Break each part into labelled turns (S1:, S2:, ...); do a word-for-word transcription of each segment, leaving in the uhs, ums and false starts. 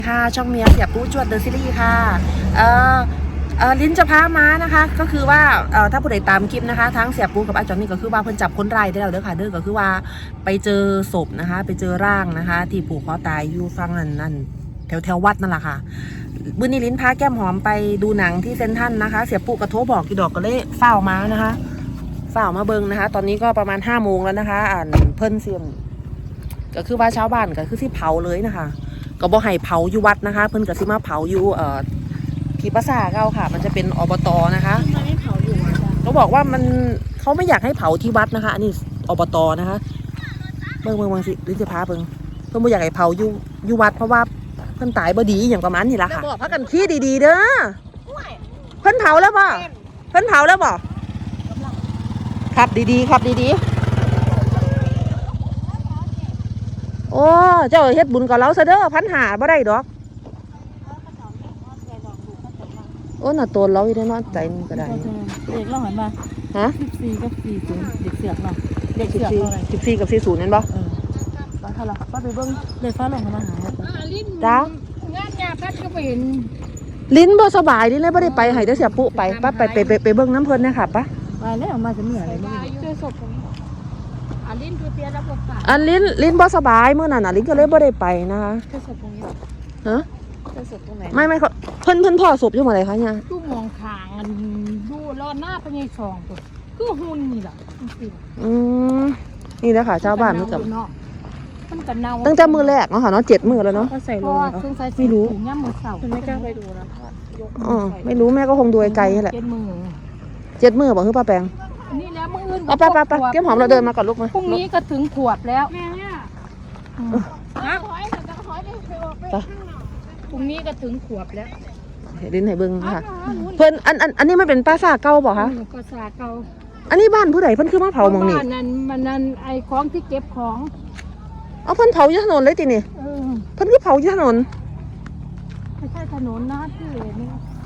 S1: ค่ะช่องเมียเสียปูจวดเดอะซีรีส์ค่ะเอ่อเอ่อลิ้นจะพาม้านะคะก็คือว่าเอ่อถ้าผู้ใดตามคลิปนะคะทั้งเสียปูกับอาจารย์นี่ก็คือว่าเพิ่นจับคนร้ายได้แล้วเด้อค่ะเด้อก็คือว่าไปเจอศพนะคะไปเจอร่างนะคะที่ผูกคอตายอยู่ฝั่งนั้นนั่นแถวแถววัดนั่นแหละค่ะมื้อนี้ลิ้นพาแก้มหอมไปดูหนังที่เซนทรัลนะคะเสียปูกระโทรบอกกี่ดอกก็เลยเฝ้ามานะคะเฝ้ามาเบิ่งนะคะตอนนี้ก็ประมาณห้าโมงแล้วนะคะอ่านเพิ่นเสียมก็คือว่าชาวบ้านก็คือที่เผาเลยนะคะก็บ่ให้เผาอยู่วัดนะคะเพิ่นก็สิมาเผาอยู่เอ่อที่ปราสาทเก่าค่ะมันจะเป็นอบตนะคะ
S2: ทำไมไม่เผาอยู่วัดอ่ะ
S1: เขาบอกว่ามันเขาไม่อยากให้เผาที่วัดนะคะอันนี้อบตนะคะเบิ่งเบิ่งเบิ่งสิลิ้นจะพาเบิ่งเพิ่นบ่อยากให้เผาอยู่อยู่วัดเพราะว่าเพิ่นตายบ่ดีอย่างประมาณนี้ล่ะค่ะบอกพักกันขี้ดีๆเด้อเพิ่นเผาแล้วบ่เพิ่นเผาแล้วบ่ขับดีๆขับดีๆโอ้เจ้าเฮ็ดบุญกับเราซะเด้อพันหาบ่ได้ดอกโอ้น่ะตัวเราอยู่ได้เนาะใจมันก็ได้
S2: เด็กเล่าหันมา
S1: ฮะ
S2: สิบสี่กับสี่ศูนย์เด็กเสือกเนาะเด็กเสือกเท่าไหร่
S1: สิบสี่กับสี่ศูนย์นั่นบ่
S2: เออฟ้าเท่าไหร่ฟ้าไปเบิ้งเลยฟ้าลงมาหา
S1: จ้
S2: างานยาพัดก็ไปเห็น
S1: ลิ้นบ่สบายลิ้นเลยบ่ได้ไปให้แต่เสียปุ๊ไปป้าไปไปไปไปเบิ่งน้ำเพิ่นนะคะป้า
S2: ไปแล้วมาจะเหนื่อยอะไรไม่รู้เจอศพตรงนี้อันลิ้นคือเตี้ยแล้วปวดขา
S1: อันลิ้นลิ้นบ่สบายเมื่อนั้นน่ะลิ้นก็เลยบ่ได้ไปนะคะ
S2: เจอศพตรงนี้
S1: ฮะ
S2: เจอศพตรงไหน
S1: ไม่ไม่เพิ่นเพิ่นพ่อศพอยู่หม้องใดคะเนี่ย
S2: ดูมองทางอันดูรอหน้าพญายสองตัวคือหุ่นนี่แหละ
S1: อืมนี่แหละค่ะชาวบ้านมันกับตั้งแต่มือแรกเนาะค่ะเนาะเจ็ดมือแล้วเนาะ
S2: ใส่ลง
S1: ไม่รู้
S2: ย่ำมือเสาไม่กล้าไปดูนะ
S1: อ๋อไม่รู้แม่ก็คงดูไกลๆแหละ
S2: เจ็ดมือ
S1: เจ็ดมือบอกคือป้าแปง
S2: นี่แล้วมืออื่น
S1: เอาไปไปไปเก็บหอมเราเดินมาก่อนลูกมา
S2: พรุ่งนี้ก็ถึงขวบแล้วแม่เนี่ยพรุ่งนี้ก็ถึงขวบแล้ว
S1: ลิ้นไหเบิ้งค่ะเพิ่นอันอันอันนี้มันเป็นปราสาทเก่าบ่คะ
S2: ปราสาทเก่า
S1: อันนี้บ้านผู้ใดเพิ่นคือมาเผาหม้องนี้
S2: บ้านนั้นมันนั่นไอ้ของที่เก็บของ
S1: เอาเพิ่นเผาอยู่ถนนเลยตินี่เพิ่นคือเผาอยู่ถนน
S2: ไม่ใช่ถนนนะที่นี่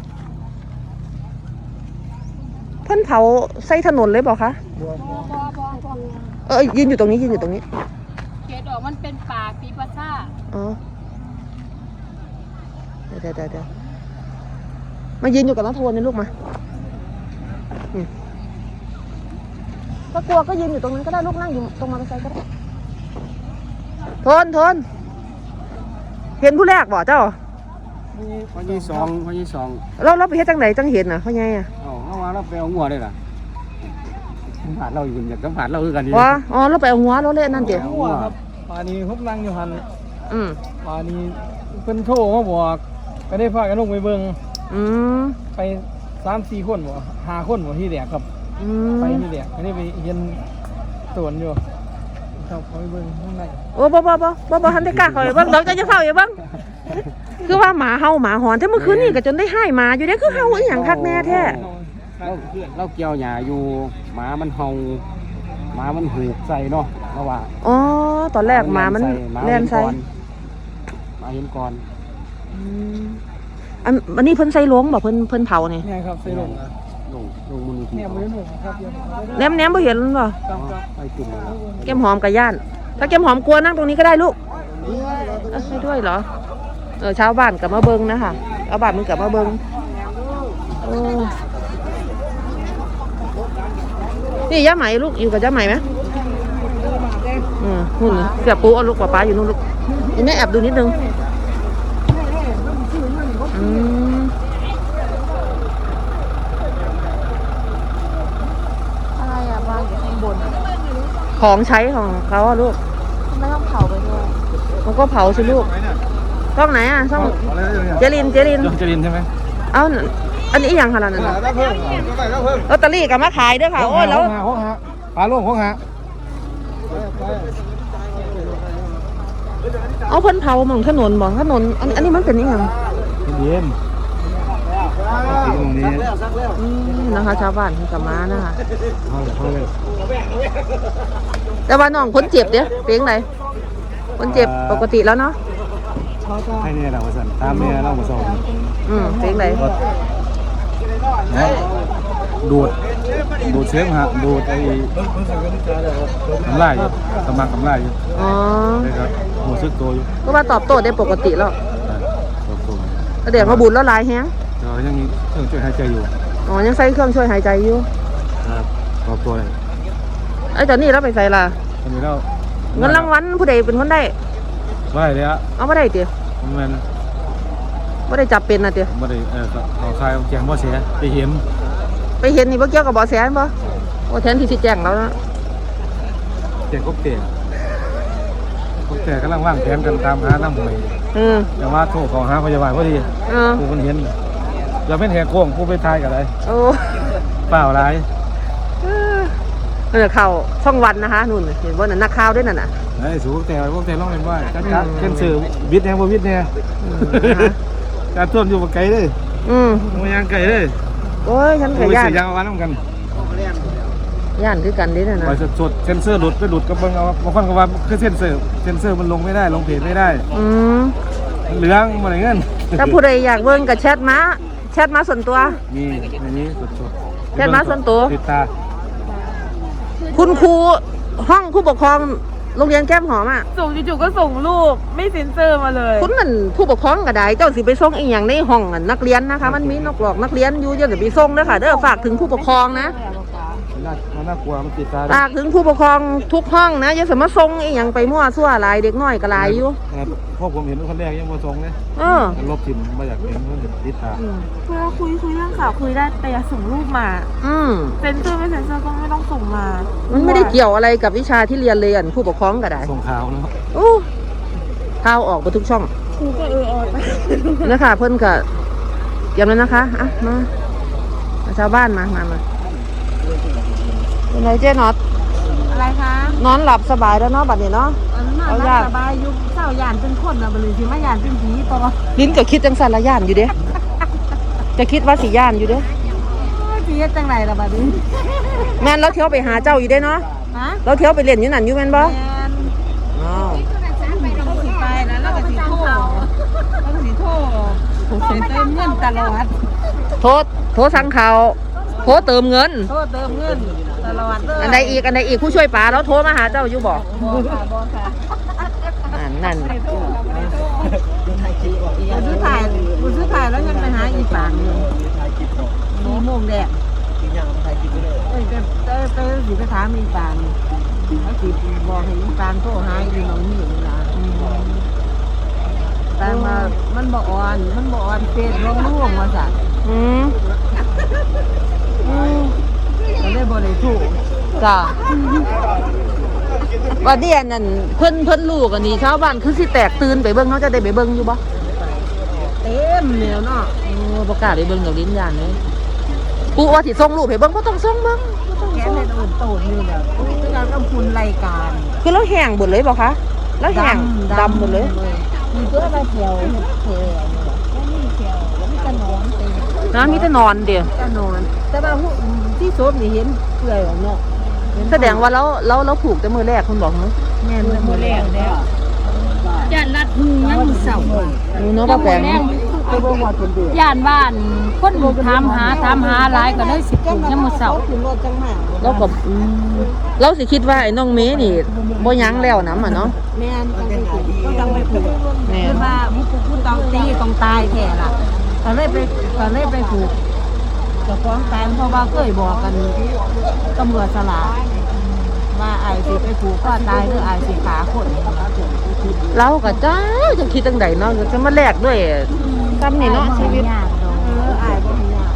S1: เพิ่นเผาใส่ถนนเลยบอกคะเออยืนอยู่ตรงนี้ยืนอยู่ตรงนี้
S2: เขตออกมันเป็นป่าปีปะซ่า
S1: อ๋อเดี๋ยวเดี๋ยวเดี๋ยวมายืนอยู่กับน้าโทนนี่ลูกมาก็กลัวก็ยืนอยู่ตรงนั้นก็ได้ลูกนั่งอยู่ตรงมอเตอร์ไซค์ก็ได้โทนโทนเห็นผู้แรกบ่เจ้า
S3: พ่อยี่สองพ่อยี่สอง
S1: เราเราไปเฮ็ดจังไหนจังเห็นน่ะพ่อใหญ่อ่ะ
S3: อ๋อเอามาเราไปเอาหัวได้ล่ะสัมผัสเราอยู่อยากสัมผัสเราคือกันดี
S1: อ๋ออ๋อเราไปเอาหัวเราเล่นนั่นเดี๋ยว
S3: หัวครับป่านี้พบนั่งอยู่หัน
S1: อืม
S3: ป่านี้เพิ่นโทรมาบอกก็ได้พากันลงไปเบิ่ง
S1: อืม
S3: ไปสามสี่คนบ่ห้าคนบ่ที่แรกครับ
S1: อืม
S3: ไปที่แรกอันนี้ไปเห็นสวนอยู่ครับไปเบิ่งข้างใน
S1: โอ้บ่บ่บ่บ่บ่ทันได้กล้าเข้าไปเบิ่งดอกจะจะเฝ้าอยู่เบิ่งคือว่าหมาเห่าหมาหอนแต่เมื่อคืนนี่ก็จนได้ให้หมาอยู่เด้คือเห่าอีหยังคักแน่แท้
S3: เราเราเกี่ยวหญ้าอยู่หมามันเห่าหมามันหูใส่เนาะเราว่า
S1: อ๋อตอนแรกหมามันแล่นใส่
S3: หมาเห็นก่อน
S1: อืมอันอันนี้เพิ่นใส่หลวงบ่เพิ่นเพิ่นเผานี่
S3: เนี่ยครับใส่หลวงลงลงมือเนี่ยบ่ได้หลวงครับ
S1: แหนมๆบ่เห็นบ่
S3: ไปกิน
S1: แก้มหอมกับย่านถ้าแก้มหอมกลัวนั่งตรงนี้ก็ได้ลูกให้ด้วยเหรอเออชาวบ้านกลับมาเบิ้งนะคะชาวบ้านมึงกลับมาเบิ้งโอ้นี่ย่าไหมลูกอยู่กับย่าไหมไหมอืมหุ่นเสียปูเอาลูกป้าป้าอยู่นู่นลูกนี่แม่แอบดูนิดนึงอืม
S2: อะไรอะวางอยู่ข้างบน
S1: ของใช้ของเขาอะลูก
S2: ไม่ต้องเผาไปด้วย
S1: มันก็เผาสิลูกช่องไหนอ่ะช่องเจรินเจริน
S3: เจรินใช่ไหม
S1: เอ้าอันนี้อย่างขนาดนั้นลอตเตอรี่กับมาขายด้วยค่ะโอ้ยแล้ว
S3: ปลาโล่งหกฮะ
S1: เอาเพิ่นเผาหม่องถนนบ่ถนนอันอันนี้มันเป็นยังไง
S3: เย็นตรงนี้
S1: นะคะชาวบ้านที่กับมานะคะแต่ว่าน้องคนเจ็บเดี๋ยวเป็นไงคนเจ็บปกติแล้วเนาะ
S3: ให้เนี่ยเราสั่นตามเนี่ยเราส่ง
S1: อืมเป็นไง
S3: ดูดดูดเชื้อฮะดูดไอ้กำไรอยู่กำลังกำไรอยู่
S1: อ๋อ
S3: ใช่ครับหัวซึกตัวอยู่
S1: ก็ว่าตอบโต้ได้ปกติแล้วแสดงว่าบุญแล้วหลายแฮง
S3: เรายังมีเครื่องช่วยหายใจอยู่
S1: อ๋อยังใส่เครื่องช่วยหายใจอยู่
S3: ครับขอบตัวเลย
S1: ไอ้ตอนนี้เราไปใส่ล่ะ
S3: ตอนนี้เรา
S1: เงินรางวัลผู้ใดเป็นคนได้
S3: ไม่ได้เลยอะ
S1: เอาไม่ได้เตี๋ย
S3: มัน
S1: ไม่ได้จับเป็นนะเตี๋ย
S3: ไม่ได้เออเขาคายแจงบ่เสียไปเห็น
S1: ไปเห็นนี่บ่เกี่ยวกับบ่อแสนบ่โอ้แทนที่สิแจ้งแล้วนะ
S3: แจงกบเตะกบเตะกำลังว่างแผนกันตามหาน้ำหวย
S1: อืม
S3: แต่ว่าโทรขอหาพยาบาลพอดี
S1: เออ
S3: กูมันเห็นอย่าเป็นแหกโค้งกูไปทายกับอะไร
S1: โอ้
S3: เปล่าไร
S1: เออเข้าช่องวันนะคะนู่นเห็นว่านั่นนักข่าวด้วยนั่นน่ะ
S3: ไอ้สูแต่พวกแต่ร้องเล่นว่าจัดจัดเช่นสื่อวิทย์แน่บ่วิทย์แน่การท่วมอยู่บ่ไกลเลย
S1: อืม
S3: มันยังไกลเลย
S1: โอ้ยฉัน
S3: กู
S1: ก็
S3: ไป
S1: ย่าน
S3: เสียยางวันน้ำกัน
S1: ย่านคือกันเด้นั่น
S3: ไป
S1: น่ะ
S3: สดเซนเซอร์หลุดไปหลุดกับเบิ่งเอาบางคนก็ว่าคือเซนเซอร์เซนเซอร์มันลงไม่ได้ลงเพจไม่ได้
S1: อืม
S3: เหลืองมาไหนเงิน
S1: ถ้าผู้ใดอยากเบิ่งก็แชทมาแชทมาส่วนตัว
S3: มีในนี้สดสด
S1: แชทมาส่วนตัว
S3: ติดตา
S1: คุณครูห้องผู้ปกครองโรงเรียนแก้มหอมอ่ะ
S2: ส่งจู่ๆก็ส่งรูปไม่เซ็นเซอร์มาเลย
S1: คุณนั่นผู้ปกครองก็ได้เจ้าสิไปส่งอีหยังในห้องอะนักเรียนนะคะ มันมีนกหลอกนักเรียนอยู่เดี๋ยวจะไปส่งเด้อค่ะเด้อฝากถึงผู้ปกครองนะ
S3: น่ามันน่ากลัวมันติดตา
S1: ฝากถึงผู้ปกครองทุกห้องนะอย่าสามารถส่งอีหยังไปมั่วซั่วหลายเด็กน้อยก็หลายอยู่
S3: ครับพวกผมเห็นคนแรกยังมาส่งเลย
S1: เออ
S3: ลบทิมมาอยากเห็นมันติดตา
S2: เวลาคุยคุยเรื่องข่าวคุยได้แต่อย่าส่งรูปมา
S1: อืม
S2: เซ็นเซอร์ไม่เซ็นเซอร์ก็ไม่ต้องส่งมา
S1: มันไม่ได้เกี่ยวอะไรกับวิชาที่เรียนเลยอันผู้ปกครองก็ได้
S3: ส่งข่าวเนาะ
S1: โอ้ข่าวออกไปทุกช่อง
S2: ครูก็เออออไป
S1: นะคะเพิ่นก็เตรียมแล้วนะคะอ่ะมามาชาวบ้านมามามาเป็นไรเจ๊น็อต
S2: อะไรคะ
S1: นอนหลับสบายแล้วเนาะบัดนี้เนาะ
S2: อันนั้น
S1: เอา
S2: น่า
S1: ญาติ
S2: สบายยุคเศร้ายานเป็นคนนะบริษัทมายานเป็นผีต่อ
S1: ลิ้นก็คิดจังสันละย่านอยู่เด้ จะคิดว่าสิย่านอยู่เด้
S2: ผีจังไรล่ะบัดนี้
S1: แม่นเราเที่ยวไปหาเจ้าอยู่เด้เนาะ
S2: ฮะ
S1: เราเที่ยวไปเล่นอยู่นั่นอยู่แม่นบ่
S2: แมน
S1: อ้าว
S2: เราสิไปแล้วเราก็สิโทษเราก็สิโทษเซ็นเติมเงินตลอด
S1: โทษโทษสั่งเขาวโทษเติมเงิน
S2: โทษเติมเงินตลอดเลย
S1: อันใดอีกอันใดอีกผู้ช่วยป๋าแล้วโทรมาหาเจ้าอยู่บ่
S2: บอค่ะบอค่ะ
S1: นั่นนั่น
S2: กูซื้อถ่ายกูซื้อถ่ายแล้วยังไปหาอีปางอยู่มีโมงแดดเอ้ยไปไปไปสิไปถามอีปางแล้วสิบอกให้อีปางโทรหาอีน้องนี่ล่ะแต่มามันบ่อ่อนมันบ่อ่อนเฟซลงร่วงว่าสั่น
S1: อืมอืม
S2: ก็เลยบ่ได้ถูก
S1: จ้ะว่าเดียนนั่นเพิ่นเพิ่นลูกอันนี้ชาวบ้านคือสิแตกตื่นไปเบิ่งเขาจะได้ไปเบิ่งอยู่บ่
S2: เต็มแล้วเนาะ
S1: โอ้บ่กล้าไปเบิ่งดอกลิ้นย่านเลยปู่ว่าสิส่งรูปให้เบิ่งบ่ต้องส่งเบิ่งบ่ต้อง
S2: แก
S1: ส่ง
S2: ในโดนโตดนี่แบบคือการกำคุณรายการ
S1: คือเราแห้งเบิดเลยบ่คะแล้วแห้งดำหมดเลย
S2: มีตัวใบเขียวเขียวนี่เขียวนี่จะนอนเต็ม
S1: นะมีแต่นอนเดียว
S2: จะนอน แต่ว่าผู้ที่โซบนี่เห็นเปื่อยออกเนาะ
S1: แสดงว่าเราเราเราผูกแต่มือแรกคุณบอกเนาะ
S2: แม่นมือแรกแล้วย่านรัดหูยังมือเสา
S1: นี่เนาะป้าแปง
S2: ไปบ่ฮอดคนเดียว
S4: ย่านบ้านคนถามหาถามหาหลายก็เลยสิปลูกยามมื้อเช้า
S2: ขึ้นรถจังมา
S1: เราก็อืมเราสิคิดว่าไอ้น้องเมย์นี่บ่ยั้งแล้วน้ำอ่ะเนาะ
S2: แม่นจังไปผูกก็จังไปผูก
S1: แม่น
S2: คือว่าผู้ผูกผู้ต้องตีต้องตายแท้ล่ะก็เลยไปก็เลยไปผูกเจะฟ้าของตายเพราะว่าเคยบอกกันตำรวจสลาว่าไอ้สิไปผูกก็ตายหรือไอ้สิขาคน
S1: เราก็จ้าจะคิดจังไดเนาะจะมาแลกด้วยกรรมนี่เนาะชีวิต
S2: เออไอ้บ่มียาก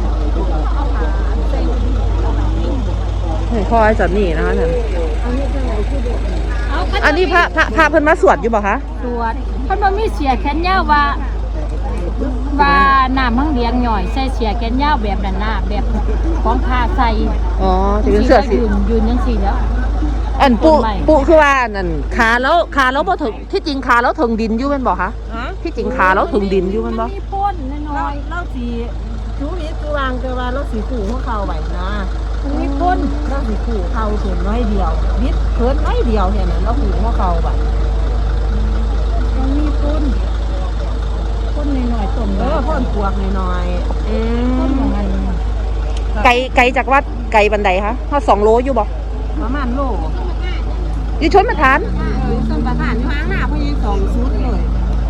S1: เห็นคอยสันนี่นะคะท่าน
S2: อันนี้จังไหนคือเด็ก
S1: อันนี้พระพระพระเพิ่นมาสวดอยู่บ่คะ
S4: ตรวจเพิ่นบ่มีเสียแขนยาวว่าว่าน้ำมังเลียงหน่อยใส่เสียแขนยาวแบบนั้นน่ะแบบของผ้าใส่
S1: อ๋อจะเป็นเสื้อสี
S4: ยืนยืนจังซี่แล้ว
S1: อันปุ
S4: ต้นไม้
S1: ปุคือว่านั่นขาแล้วขาแล้วบ่ถึงที่จริงขาแล้วถึงดินอยู่แม่นบ่คะ
S2: ฮะ
S1: ที่จริงขาแล้วถึงดินอยู่แม่นบ่
S4: มีพ่นน้
S2: เรา
S4: อย
S2: เราสีชูวิทย์คือวางแต่ว่าเราสีขู่ของเขาไว้นะ
S4: ๆมีพ่น
S2: เราสีขู่เขาเขียนน้อยเดียววิทย์เคินน้อยเดียวเห็นไหมเราขู่ของเขาไว้
S4: มันมีพ่นพ่นน้อยๆต้น
S2: เออพ่นปวกหน่อย
S1: อื
S4: พ่น
S1: ม
S4: ของมัน
S1: ไกลไกลจากวัดไกลบันไดคะเฮาสองโลอยู่บ่
S2: ๆประมาณโล
S1: อยู่ชนประทาน
S2: เออต้นประธานอยู่ห้างหน้าพยังสองชุดเลย
S1: โ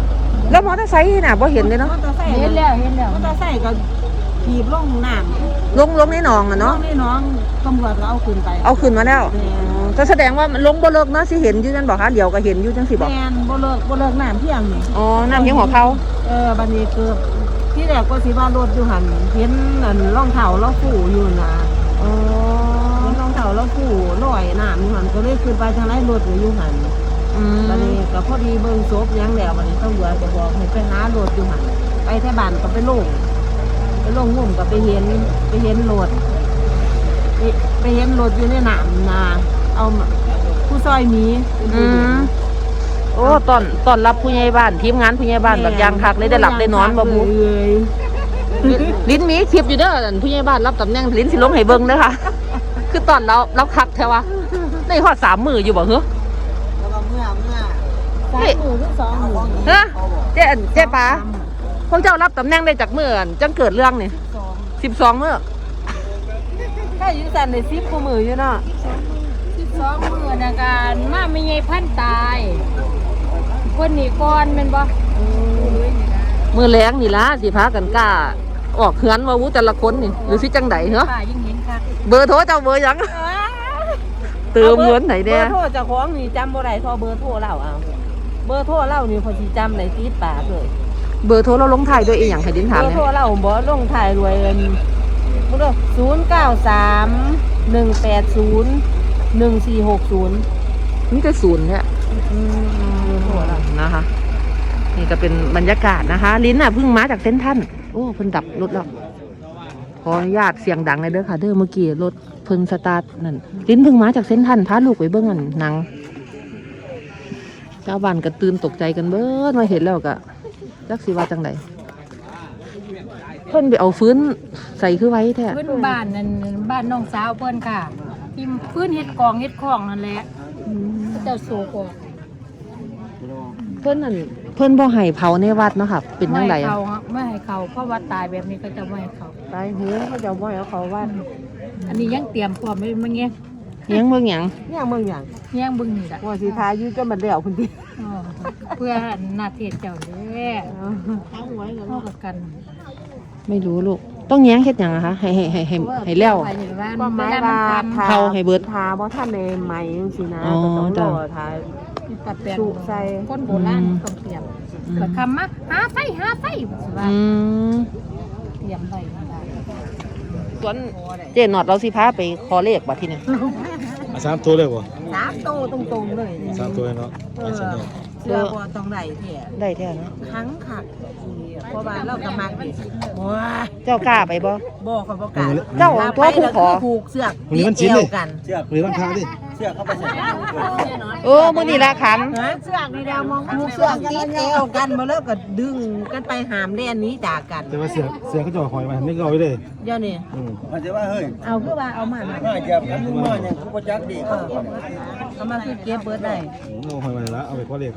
S1: แล้วมอเตอร์ไซค์น่ะบ่เห็นเลยเนาะ
S2: มอเตอร์ไซค์
S4: เห็นแล้วเห็นแล้ว
S2: มอเตอร์ไซค์ก็ขี่ลงน้ำ
S1: ลงลงในหนองอ่ะ
S2: น้อ
S1: เนาะ
S2: งนี่น้องตำรวจก็เอาขึ้นไป
S1: เอาขึ้นมาแล้ว
S2: แม่น
S1: อ๋อก็แสดงว่ามันลงบ่เลิกเนาะสิเห็นอยู่จังบอกคะเดี๋ยวก็เห็นอยู่จังสิบอก
S2: แม่นบ่เลิกบ่เลิกน้ำเพียงนี่
S1: อ๋อน้ำเพียงหัวเขา
S2: เออบัดนี้เกือบที่แรกก็สิว่ารถอยู่หันเห็นอันรองเท้าเราฟู่อยู่นะ
S1: อ๋อ
S2: เห็นรองเท้าเราฟู่ลอยน้ำอยู่หันก็เลยขึ้นไปทางไรรถอยู่หัน
S1: อืม
S2: บัดนี้ก็พอดีเบิ่งศพหยังแล้วบัดนี้ตำรวจก็บอกให้ไปหารถอยู่หันไปแถวบ้านก็ไปลงไปลงงุ่มก็ไปเห็นไปเห็นรถไปไปเห็นรถอยู่ในน้ำนาเอามาผู้ซอยหมี
S1: อืมโอ้ตอนตอนรับผู้ใหญ่บ้านทีมงานผู้ใหญ่บ้านแบบยางคักเลยได้หลับได้นอนบ่บู
S2: เลย
S1: ลิ้นมีคลิปอยู่เด้ออั่นผู้ใหญ่บ้านรับตำแหน่งลิ้นสิลงให้เบิ่งเด้อค่ะ คือตอนเราเราคักแท้วะในฮอดสามมืออยู่บ่เหรอ
S2: แล้วก็เมื่อเมื่อสาม
S1: เฮ้ย
S2: หมื่นหรือสองหมื่น
S1: เฮ้อเจ๊อั่นเจ๊ป๋าพวกเจ้ารับตำแหน่งได้จากมืออั่นจังเกิดเรื่องนี่
S2: สอง
S1: สิบสองมื้อ
S2: ถ้าอยู่สันในซิปกูมืออยู่เนาะ
S4: สิบสองมื้อนะการมาไม่ใหญ่พันตายคนนี้ก่อนแม่นบ่
S1: มือแรงนี่ล่ะสิพากันกล้าออกเฮือนว่าวู้แต่ละคนนี่หรือสิจังไดเหรอ
S4: ป้ายิ่งเห็นคัก
S1: เบอร์โทรเจ้าเบอร์หยังเติมเงินไหน
S2: เบ
S1: แน่
S2: อร์โทรเจ้าของนี่จำบ่ได้พอเบอร์โทรเล่าเอาเบอร์โทรเล่านี่พอสิจำได้ติดปากเลย
S1: เบอร์โทรเราลงท้ายด้วยอีหยังให้ดิน
S2: เบ
S1: ถาม
S2: อร์
S1: เนี่
S2: โทร
S1: ย
S2: เล่าบ่ลงถ่ายรวยเงินบ่เด้อศูนย์เก้าสามหนึ่งแปดศูนย์หนึ่งสี่หกศูนย์
S1: นี่จะศูนย์เนี่ย
S2: เบอร์โทรเล่า
S1: นะคะนี่ก็เป็นบรรยากาศนะคะ ลิ้นน่ะเพิ่งมาจากเส้นท่านโอ้เพิ่นดับรถแล้วขออนุญาตเสียงดังเลยเด้อค่ะเด้อเมื่อกี้รถเพิ่นสตาร์ทนั่นลิ้นเพิ่งมาจากเส้นท่านพาลูกไปเบิ่งอันหนังชาวบ้านก็ตื่นตกใจกันเบิดมาเห็นแล้วก็จักสิว่าจังไดเพิ่นไปเอาฟื้นใส่คือไว้แท้
S4: เพิ่นบ้านนั่นบ้านน้องสาวเพิ่นค่ะที่พื้นเฮ็ดกองเฮ็ดของนั่นแหละเจ้าโศกออก
S1: เพิ่นนั่นเพิ่นบ่ให้เผาในวัดเนาะค่ะเป็นจังได
S4: ไม่ให้
S1: อะ
S4: เขาไม่ให้เขาเพราะว่าตายแบบนี้ก็จะไม่ให้เขา
S2: ตายเหือเขาจะบ่ให้เอาเขาว่า
S4: อันนี้ยังเตรียมพร้อมไว้มันเงี้ย
S1: เลี้ยงเบิ่งหยัง
S2: เนี่ยมึงหยัง
S4: แย่งเบึงนี่แหละ
S2: ว่าสิทายอยู่จนมันแล้วพุ่นติ
S4: อ๋อเพื่อหน้าเทศเจ้าเด้อ
S2: เอาหวยกัน
S4: เข้ากับกัน
S1: ไม่รู้ลูกต้องแย้งเฮ็ดหยังอะคะให้ให้ให้ให้ให้แล้ว
S4: ไปอยู่บ้าน
S2: ก็หมาย
S4: เวล
S2: ว่า
S4: มันท
S2: ทา
S1: เผาให้เบิด
S2: ทาบ่ทันในใหม่จังซี่นะ
S1: อ๋อ
S2: ก็ต้องร
S1: จ้ะ
S2: อทา
S4: ำตัดแปลง
S2: สุใส่
S4: คนโบราณต้องเตรียมเกิดคำมาหาไฟหาไฟว่า
S1: อืม
S4: เตรียมไว้
S1: ส่วนเจนอดเราสิพาไปขอเลขบัดทีนี้
S5: อ่ะสามตัวเลยบ่
S2: สามโตตรงๆเลย
S5: สามตัวเลยเนาะ
S2: เอ
S5: ไอ้
S2: อ
S5: สันเนี่ย
S2: เสื้อบ่ต้องได้แท้
S1: ได้แท้เนาะ
S2: ทั้งคักเพราะว่าเราก็มักดิว้า
S1: เจ้ากล้าไปบ่
S2: บ่ก็บ่กล้า
S1: เจ้าตัวผู้ขอ
S2: ผูกเสือก
S5: วันนี้มันชิ้น
S2: เอ
S5: เล
S2: วย กัน
S5: หรือวันพระดิ
S1: เออมื้อนี้ละขัน
S2: ฮะเสือกนี่แล้วมองผูกเสือกติดเอวกันมาแล้วก็ดึงกันไปหามเล่นหนี้จากกัน
S5: แต่ว่าเสือเสือเขาจะเอาหอยมาไม่เอาไว้เลย
S2: เดี๋ยวนี้
S5: อืม
S6: มันจะว่าเฮ้ย
S2: เอาคือว่าเอามาน่ะ
S6: มาเหยียบกันมึงมาเนี่ยกูก็จักดี
S2: เออเอามาคือเก็บเบิดได้
S5: เอาหอยมาแล้วเอาไปพ่อเลี้ยงเขา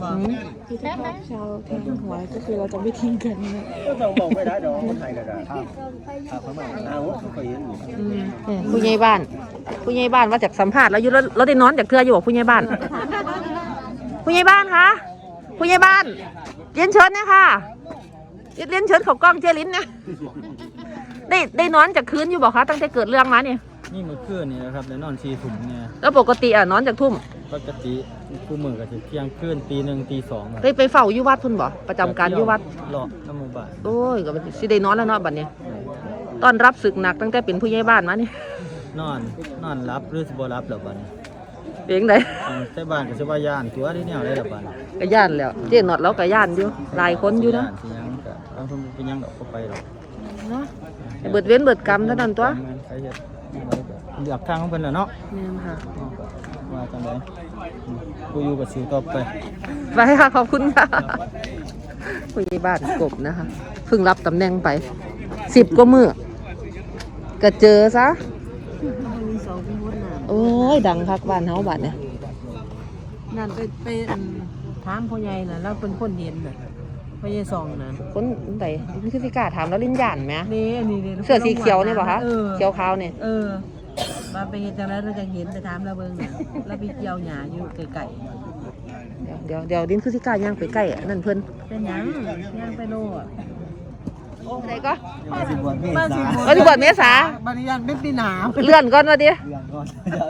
S6: ก็ต้องบอกไม่ได้ดอกคนไทยก็ได้ครับครับเขามาเอาเขาเคยเห็นอยู่
S1: อืมผู้ใหญ่บ้าน ผู้ใหญ่บ้านว่าจากสัมภาษณ์แล้วอยู่แล้วเราได้นอนจากเทื่ออยู่บ่ผู้ใหญ่บ้าน ผู้ใหญ่บ้านคะผู้ใหญ่บ้านเรียนเชิญนะค่ะเรียนเชิญเขากล้องเจลิ้นนะได้ได้นอนจากคืนอยู่บ่คะตั้งแต่เกิดเรื่องมาเนี่ย
S7: นี่เมื่อคืนนี่นะครับได้นอนชีถุงเนี่ย
S1: แล้วปกติอ่ะนอนจากทุ่ม
S7: ปกติคู่มือก็จะเที่ยงคืนตีหนึ่งตีสอง
S1: ได้ไปเฝ้าอยู่วัดพุ่นบ่ประจำการอยู่วัด
S7: หลอกน้ำหมูบ้าน
S1: โอ้ยก็สิได้นอนแล้วเนาะบัดนี้ตอนรับศึกหนักตั้งแต่เป็นผู้ใหญ่บ้านมานี่
S7: นอนนอนรับหรือสิบ่รับแล้วบ้าน
S1: เพียงใด
S7: ใช้บ้านก็สิว่าย่านตัวที่แนวได้แล้วบ้าน
S1: ก็ย่านแล้ว เจ๊นอดเราก็ย่านอยู่หลายคนอยู่นะ
S7: สิยังก็เอาคนเป็นยังดอกก็ไปหรอก
S1: เนาะเบิดเว้นเบิดกรรมเท่านั้นตัว
S7: ใครเฮ็ดเลือกทางของเพิ่นแหละเนาะ
S1: แม่นค่ะ
S7: ว่าจังได๋กูอยู่กับสิวต่อไป
S1: ไปค่ะขอบคุณค่ะผู้ใหญ่บ้านกบนะคะเพิ่งรับตำแหน่งไปสิบกว่ามือก็เจอซะ
S2: มีสองเป็นคนน่ะ
S1: โอ้ยดังคักบ้านเฮาบ้านเนี่ย
S2: นั่นไปไปอันถามพ่อใหญ่น่ะเราเป็นคนเห็นน่ะพ่อใหญ่ซองน่ะ
S1: คนใดนี่คือสิกล้าถามแล้วลิ้นย่านไหม
S2: นี่อันนี้นี่
S1: เสื้อสีเขียวนี่บ่คะ
S2: เออ
S1: เขียวขาวเนี่ย
S2: เออมาไปเห็นจังได๋เราจะเห็นไปถามเราเบิ่งน่ะเราไปเกี่ยวหญ้าอยู่ไกล
S1: เดี๋ยวเดี๋ยวดินคือสิกล้าย่างไปใกล้อันนั่นเพิ่น
S2: เป็นหยังย่างไปโลอ่ะ
S1: ไหนก็
S7: สิบวันเม
S2: บ้าน
S7: ษา
S2: สิ
S1: เออที่บวชเมษา
S2: บัดนี้ยันเป็นปีหนาว
S1: เลื่อนก่อนว่าดิ
S7: เรื่องก่อน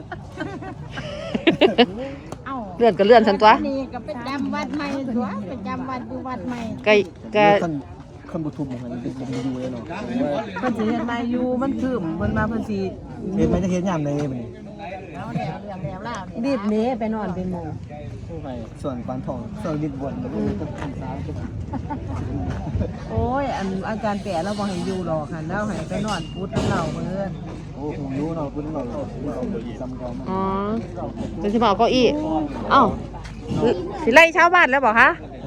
S4: เอ้า
S1: เลื่อนก็เลื่อนสันตัว
S4: นี่ก็เป็นจำวัดใหม่ตัวเป็นจำวัดอยู่วัดใหม่
S1: ไก่ไก่
S7: คนคนบุทุบมันเป็นคนดูเลยเนาะ
S2: เพิ่นสิเฮ็ดมาอยู่มันคืมเพิ่นมาเพิ่นสิ
S7: เห็นไหมจะเห็นยามในมัน
S4: เอาแล้วเรื่องแล้วล่ะ
S2: รีบหนีไปนอนเป็นหมู่
S7: ไปส่วนปานทองส่วนดินบนมันก็เป็นสาว
S2: โอ้ยอันอาจารย์แปะเราบ่ให้อยู่หรอกหั่นแล้วให้ไปนอนพุทธกับเราเพิ่น
S7: โอ้ผมรู้เนาะคุณเราจำกัน
S1: อ๋อเป็นสิมาเอาเก้าอี้เอ้าสิไล่ชาวบ้านแล้วบอกคะ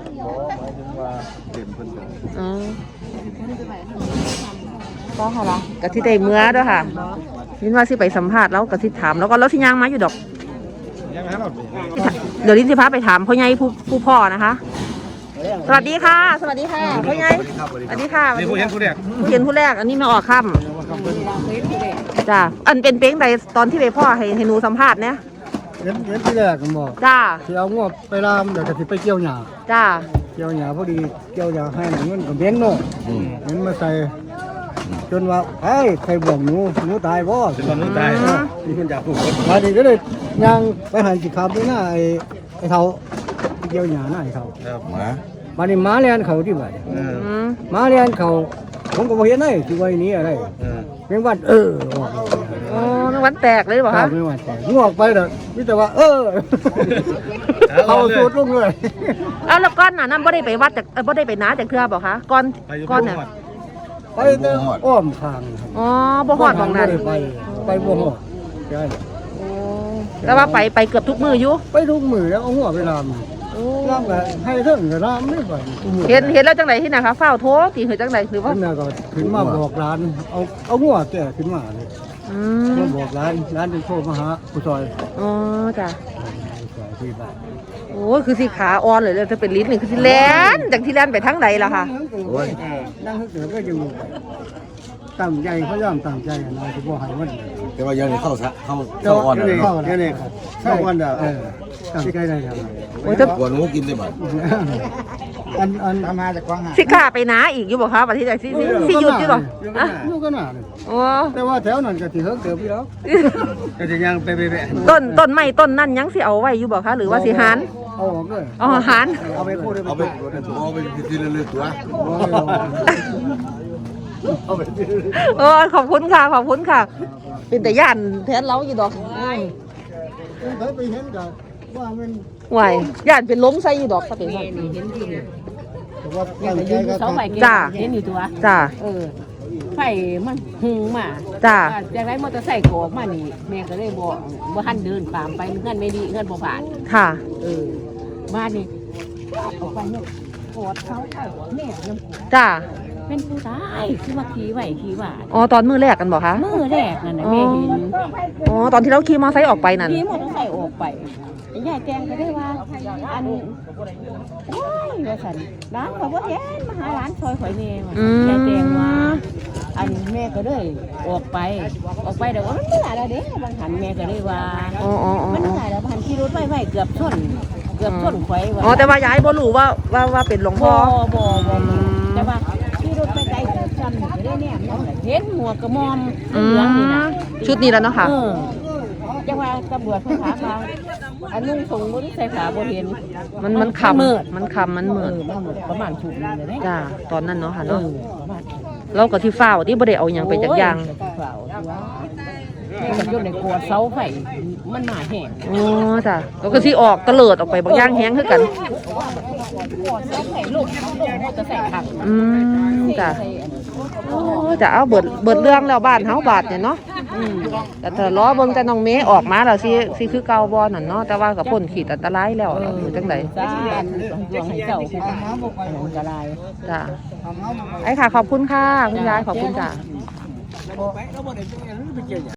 S1: อ๋อก็เหรอกะที่ได้เมื่อด้วยค่ะยินว่าสิไปสัมภาษณ์แล้วกะที่ถามแล้วก็แล้วที่ย่างมาอยู่ดอก
S5: ยังไงเรา
S1: เดี๋ยวลิ้นสิพาไปถามพ่อใหญ่ผู้ผู้พ่อนะคะ สวัสดีค่ะ สวัสดีค่ะพ่อใหญ่สวัสดีค่ะ
S5: นี่ผู้เห็นผู้แรก
S1: ผู้เห็นผู้แรกอันนี้มาออกค่ำจ้าอันเป็นเป้งใดตอนที่ไปพ่อให้ให้หนูสัมภาษณ์เนี่ย
S8: เห็นเห็นที่แรกผมบอก
S1: จ้า
S8: ที่เอางวไปลามเดี๋ยวก็สิไปเกี่ยวหญ้า
S1: จ้า
S8: เกี่ยวหญ้าพอดีเกี่ยวหญ้าให้หนังเงินกับเบ้งเนาะเห็นมาใส่จนว่าไอ้ใครบอกหนูหนูตายบ่
S5: เป็นคนนู้นตายมีคนอยากถูกคน
S8: มาดีก็เลยย่างไปหันสิขับด้วยหน้าไอ้ไอ้เฒ่าเกี่ยวหญ้าหน้าไอ้เฒ่า
S5: ครับหมา
S8: มานี่หมาเลียนเขาที่ไหน
S5: เออ
S1: อืม
S8: หมาเลียนเขาผมก็บ่เห็นได้ที่ว่านี้อะไร
S5: เออ
S8: เพียงว่าเออออก
S1: โอ้วันแตกเลยบอก
S8: ครั
S1: คะ
S8: บไม่ว่าแต่งวกไปเด้อมีแต่ว่า เออเขาสูดลงเลย
S1: เอาแล้วก้อนน่ะนั่นบ่ได้ไปวัดจากเอ่อบ่ได้ไปนาจากเทือบอกคะก้อนก้อนเนี่ย
S8: ไปแต่อ้อมข้างครับ
S1: อ๋อบ่ฮอดหมองนั้น
S8: ไปไปบ่ฮอดใช่
S1: โอ้แต่ว่าไปไปเกือบทุกมืออยู่
S8: ไปทุกมือแล้วเอาหัวไปลามลามก็ให้เถิงก็ลามไม่ไปทุกมื้อ
S1: เห็นเห็นแล้วจังไหนที่ไหนคะเฝ้าโทรตีหือจังไหนหรือว่า
S8: ขึ้นมาก็ขึ้นมาบอกร้านเอาเอาหัวแก่ขึ้นมาเลย
S1: อืม
S8: มาบอกร้านร้านเป็นโทรมาหาผู้ซอย
S1: อ๋อจ้ะ
S8: ผู้ซอยที่บ้าน
S1: โอ้ยคือสิขาอ่อนเลยเลยถ้าเป็นลิ้นนี่คือสิแลนจากที่แลนไปทางใดล่ะค่ะ
S8: โอ้ยนั่งเกิดก็อยู่ตั้งใจเขาย่อมตั้งใจนะที่บ่ให้มัน
S6: แต่ว่ายังเข้าซะเข้า
S8: เจ้า
S6: เข้าอ่อน
S8: เดี๋ยว
S6: เลย
S8: เข้าเดี๋ยวนี้เข้าวันเดียวเออตั้งใจได้ครับ
S1: โอ้ยถ้า
S6: กวนหนูกินได้บ่
S8: อันอันทำมาจากกวางหา
S1: สิขาไปนาอีกอยู่บ่คะวันที่ใดสิสิสิหยุดอยู่บ่อะ
S8: อยู่ก็น่าเลย
S1: โอ้
S8: แต่ว่าแถวนั้นก็สิเฮิงเติบอยู่แล้วก็จะยังไปไปไป
S1: ต้นต้นไม้ต้นนั่นยังสิเอาไว้อยู่บ่คะหรือว่าสิหาน
S8: เอาออกเลย
S1: อ๋อหาน
S8: เอาไปพูดได้
S6: เอาไปเอาไปทีละเรื่องตัว
S8: เอาไป
S1: โอ้ยขอบคุณค่ะขอบคุณค่ะ เป็นแต่ย่านแทนเราอยู่ดอก
S8: เคยไปเห็นกันว่ามัน
S1: ไหวย่านเป็นล้มใส่อยู่ดอกถ้าเป็น
S2: นี่
S1: ซั่น
S2: นี่เห็นอยู่นี่
S8: ว่าตั้งใจ
S2: ยืนอ
S8: ก็
S2: ยู่เสาไฟเก็บ
S1: จ้า
S2: เห็นอยู่ตัว
S1: จ้า
S2: เออไฟมันหุงมา
S1: จ้า
S2: จากไรมอเตอร์ไซค์โกออกมานี่แม่ก็เลยบอกว่าหันเดินตามไปเงื่อนไม่ดีเงื่อนบ่ผ่าน
S1: ค่ะ
S2: เออมานี่ออกไปเนี่ยกอดเขาไอ้แม่ยัง
S1: จ้า
S2: เป็นผู้ชายคือว่าขี่ไหวขี่หวาน
S1: อ๋อตอนมือแรกกันบอกคะ
S2: มือแรกนั่นน่ะแม่เห็น
S1: อ๋อตอนที่เราขี่มอเตอร์ไซค์ออกไปนั่น
S2: ขี่มอเตอร์ไซค์ออกไปยายแจงก็ได้ว่าอันว้ายว่าสันร้านเขาบ่เห็นมาหาร้านซอยข่อยแม่ว่ะ
S1: อืม
S2: ยายแจงว่าอันแม่ก็เลยออกไป ออกไปเดี๋ยวว่ามันไม่ได้แล้วเด้บางหันแม่ก็เลยว่า
S1: อ๋ออ๋ออ๋อ
S2: มันไม่ได้แล้วบางหันขี่รถไว้ๆเกือบชนเกือบชนข่อยว่ะ
S1: อ๋อแต่ว่าย้ายบ่รู้ว่าว่าว่าเป็นหลวงพ่
S2: บ่
S1: อ
S2: บ่บ่แต่ว่าขี่รถไปไกลเกือบชนก็ได้เนี่ยเห็นหัวกระมอม
S1: อื
S2: เหลืองนี่
S1: ม
S2: นะ
S1: ชุดนี้แล้วเนาะค่ะ
S2: เออจังว่าตำรวจเพิ่นถามว่าอันนุ่งทรงบ่ได้ใส่ขาบ่เห็น
S1: มันมันค
S2: มืด
S1: ำมันคำมัน
S2: เอ
S1: เหมือน
S2: อมันมืดประมาณทุ่มนึงเลยเด้
S1: จ้าตอนนั้นเนาะค่ะ
S2: เอ
S1: เนาะ
S2: อประมาณ
S1: เราก็ที่ฝ้าวที่บ่ได้เอาหยังไปจากอยาง
S2: โอ้เปล่าตัวแม่ก็อยู่ในกลัวเสาไฟมันมาแห้ง
S1: อ๋อจ้ะเราก็สิออกตะเลิดออกไปบางอย่างแห้งคือกัน
S2: กลัวเสาไฟลูกลูกมันจะใส่ถัง
S1: อืมจ้ะโอ้จะเอาเบิดเบิดเรื่องแล้วบ้านเฮาบาดเนี่ยเนาะ
S2: อืม
S1: แต่ถ้ารอเบิ่งแต่น้องเมย์ออกมาแล้วสิสิคือเก่าบ่นั่นเนาะแต่ว่าก็พ้นขีดอันตรายแล้วหรือจังได
S2: สาธุดวงให้เจ้าคืออันตราย
S1: จ้ะไอ้ค่ะขอบคุณค่ะคุณยายขอบคุณจ้ะ